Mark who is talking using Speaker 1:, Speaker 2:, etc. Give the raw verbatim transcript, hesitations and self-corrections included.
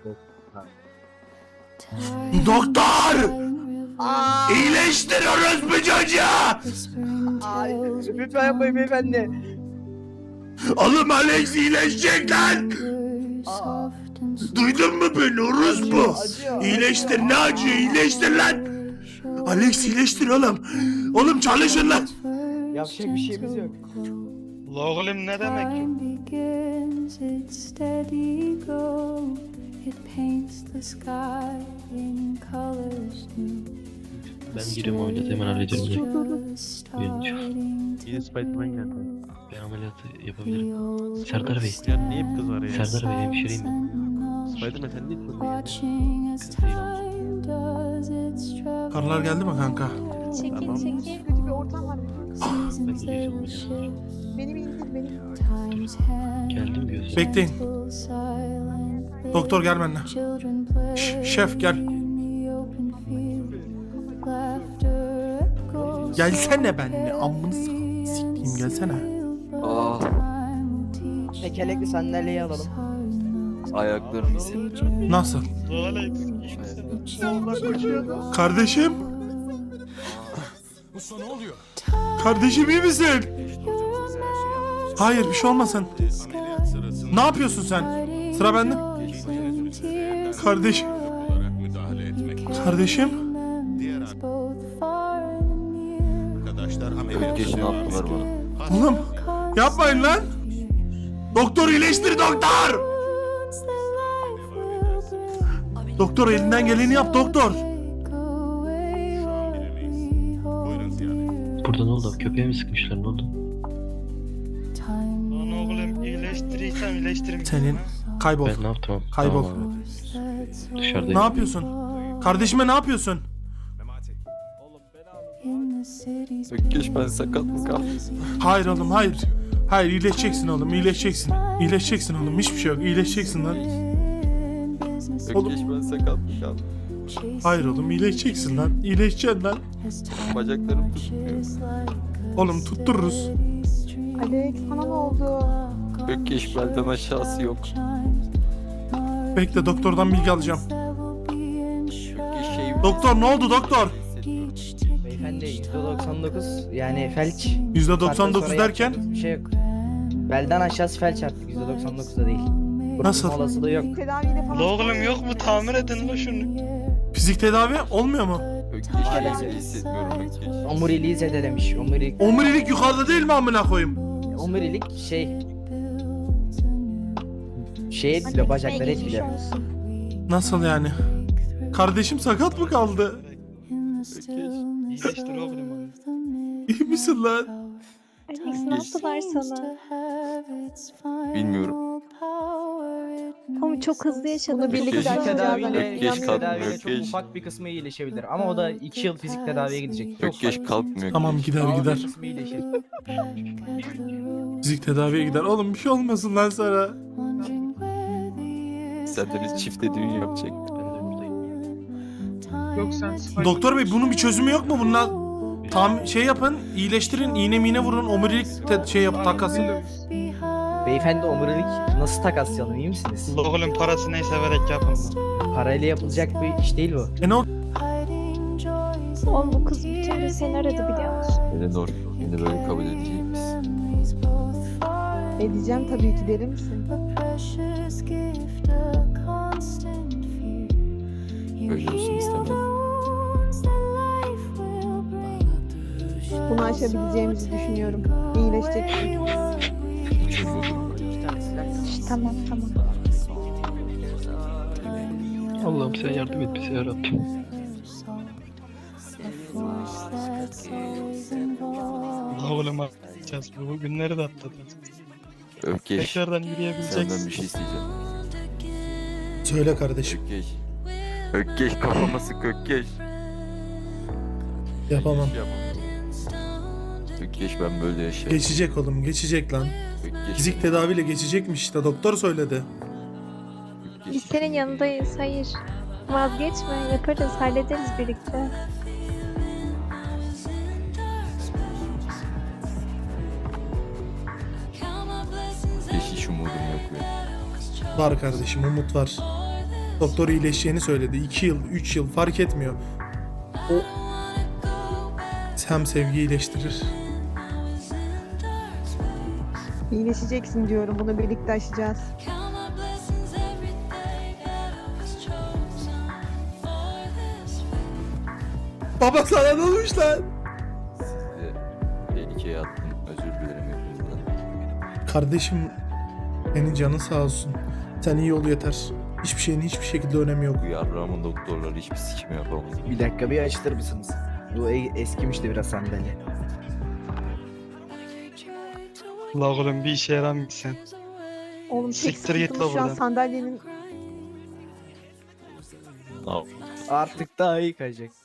Speaker 1: Doktor! İyileştiriyoruz bu çocuğa!
Speaker 2: Ay, lütfen yapmayın beyefendi.
Speaker 1: Oğlum Alex iyileşecek lan! Duydun mu beni orospu? İyileştir, ne acıyor, iyileştir lan! Alex iyileştir oğlum! Oğlum çalışın lan!
Speaker 2: Yapacak bir şeyimiz yok.
Speaker 3: La oğlum ne demek ki?
Speaker 4: Ben giriyorum ameliyatı hemen hallederim diye. Uyanacağım.
Speaker 5: Yine Spiderman geldi.
Speaker 4: Ben ameliyatı yapabilirim. Serdar Bey.
Speaker 5: Ya niye hep kız var ya?
Speaker 4: Serdar Bey hemşireyim ben.
Speaker 5: Spiderman sen niye kız geldin?
Speaker 4: Kız değil amca.
Speaker 1: Karılar geldi mi kanka?
Speaker 6: Çekil
Speaker 5: Tamam.
Speaker 6: çekil.
Speaker 7: Kötü bir ortam var.
Speaker 4: Ben de geleceğim ameliyata.
Speaker 7: Beni bir indir beni.
Speaker 4: Geldim gözüm.
Speaker 1: Bekleyin. Doktor gel benimle. Ş- şef gel. Gelsene benimle. Amını s- sikeyim gelsene.
Speaker 8: Ah,
Speaker 2: Tekerlekli sandalyeyi alalım.
Speaker 8: ayaklarım hissetmiyorum.
Speaker 1: Nasıl?
Speaker 3: La Alex.
Speaker 1: Kardeşim? Kardeşim iyi misin? Hayır bir şey olmasın. Ne yapıyorsun sen? Sıra bende. Kardeşim. Kardeşim.
Speaker 8: Ökkeşini attılar bana.
Speaker 1: Oğlum yapmayın lan. Doktor iyileştir doktor. Doktor elinden geleni yap doktor.
Speaker 4: Burada ne oldu? Köpeğe mi sıkmışlar ne oldu?
Speaker 3: Lan oğlum iyileştirirsem iyileştiririm.
Speaker 1: Senin kaybol.
Speaker 4: Ben ne yaptım?
Speaker 1: Kaybol.
Speaker 4: Tamam abi. Dışarıdayım.
Speaker 1: Ne yapıyorsun? Kardeşime ne yapıyorsun?
Speaker 8: Ökkeş ben sakat mı kaldım?
Speaker 1: Hayır oğlum hayır. Hayır iyileşeceksin oğlum iyileşeceksin. İyileşeceksin oğlum hiçbir şey yok iyileşeceksin lan.
Speaker 8: Ökkeş ben sakat mı kaldım?
Speaker 1: Hayır oğlum iyileşeceksin lan. İyileşeceksin lan.
Speaker 8: Bacaklarım tutmuyor.
Speaker 1: Oğlum tuttururuz.
Speaker 7: Alex sana ne oldu?
Speaker 8: Ökkeş belden aşağısı yok.
Speaker 1: Bekle doktordan bilgi alacağım.
Speaker 8: Ökkeş şey...
Speaker 1: Doktor ne oldu doktor?
Speaker 2: Beyefendi yüzde doksan dokuz yani felç.
Speaker 1: yüzde doksan dokuz
Speaker 2: Saatten sonra
Speaker 1: derken?
Speaker 2: yapacağımız bir şey yok. Belden aşağısı felç artık yüzde doksan dokuzda değil.
Speaker 1: Nasıl?
Speaker 2: Kurtulma olasılığı yok.
Speaker 7: Bir tedaviyle falan.
Speaker 3: La oğlum yok mu? Tamir edin la şunu.
Speaker 1: Fizik tedavi olmuyor mu?
Speaker 8: Ökkeş iyi hissetmiyorum Ökkeş.
Speaker 2: Omuriliği zedelemiş. Omurilik.
Speaker 1: Omurilik yukarıda değil mi amına koyayım?
Speaker 2: Omurilik şey. Şeye etkiliyor bacakları etkiliyor.
Speaker 1: Nasıl yani? Kardeşim sakat mı kaldı?
Speaker 3: İyileştir oğlum onu.
Speaker 1: İyi misin lan?
Speaker 6: Alex ne yaptılar sana?
Speaker 8: Bilmiyorum.
Speaker 6: Ama çok hızlı yaşadın.
Speaker 7: Bunu birlikte
Speaker 8: Ökkeş-
Speaker 7: yaşayacağız.
Speaker 2: Tedaviyle,
Speaker 8: Ökkeş
Speaker 2: yalnız
Speaker 8: kalkmıyor,
Speaker 2: tedaviyle çok
Speaker 8: ökkeş.
Speaker 2: ufak bir kısmı iyileşebilir. Ama o da iki yıl fizik tedaviye gidecek. Çok
Speaker 8: Ökkeş
Speaker 2: ufak.
Speaker 8: kalkmıyor.
Speaker 1: Tamam gider
Speaker 2: Ağır
Speaker 1: gider.
Speaker 2: bir kısmı iyileşir.
Speaker 1: Fizik tedaviye gider. Oğlum bir şey olmasın lan sana.
Speaker 8: Serdeniz çifte düğün yapacak.
Speaker 4: Ben de buradayım.
Speaker 3: Yok sen Spider-
Speaker 1: Doktor bey bunun bir çözümü yok mu? Bununla tam şey yapın, iyileştirin, iğne miğne vurun, omurilik te- şey yap takasın.
Speaker 2: Beyefendi omurilik nasıl takaslayalım iyi misiniz?
Speaker 3: La oğlum parası neyse verek yapın lan.
Speaker 2: Parayla yapılacak bir iş değil bu.
Speaker 1: E ne oldu?
Speaker 6: Oğlum bu kız bir kere seni aradı biliyor musun?
Speaker 8: Eleanor beni böyle kabul edecek misin?
Speaker 7: Edeceğim tabii ki derim misin?
Speaker 8: Böyle olsun istemem.
Speaker 7: Bunu aşabileceğimizi düşünüyorum. İyileşecek.
Speaker 6: Şş, tamam tamam.
Speaker 4: Allah'ım sen yardım et bize yarabbim.
Speaker 3: La oğlum atacağız. Bu günleri de atlatacağız.
Speaker 8: Ökkeş
Speaker 3: Tekrardan
Speaker 8: senden
Speaker 3: yürüyebileceksin.
Speaker 8: bir şey isteyeceğim.
Speaker 1: Söyle kardeşim.
Speaker 8: Ökkeş. Ökkeş kafama sık Ökkeş.
Speaker 1: Yapamam.
Speaker 8: Yapamam. Ökkeş ben böyle yaşarım.
Speaker 1: Geçecek oğlum, geçecek lan.
Speaker 8: Ökkeş.
Speaker 1: Fizik tedaviyle geçecekmiş işte, doktor söyledi.
Speaker 6: Biz senin yanındayız. Hayır. Vazgeçme. Yaparız. Hallederiz birlikte.
Speaker 8: Ökkeş hiç umudum yok benim.
Speaker 1: Var kardeşim, umut var.
Speaker 9: Doktor iyileşeceğini söyledi. iki yıl, üç yıl fark etmiyor. O hem sevgi iyileştirir.
Speaker 7: İyileşeceksin diyorum. Bunu birlikte aşacağız.
Speaker 9: Baba sana ne olmuş lan?
Speaker 8: Sizi tehlikeye attım. Özür dilerim hepinizden.
Speaker 9: Kardeşim senin canın sağ olsun. Sen iyi ol yeter. Hiçbir şeyin hiçbir şekilde önemi yok.
Speaker 8: Bu yarrağımın doktorları hiçbir sikim yapamaz.
Speaker 2: Bir dakika bir açtır mısınız? Bu e- eskimişti biraz sandalye.
Speaker 3: La oğlum bir işe yaramıyorsun sen.
Speaker 7: Oğlum tek
Speaker 3: Siktir git
Speaker 7: sıkıntımız
Speaker 3: la
Speaker 7: şu an
Speaker 3: buradan.
Speaker 7: sandalyenin
Speaker 8: Ne yap-
Speaker 2: Artık daha iyi kayacak.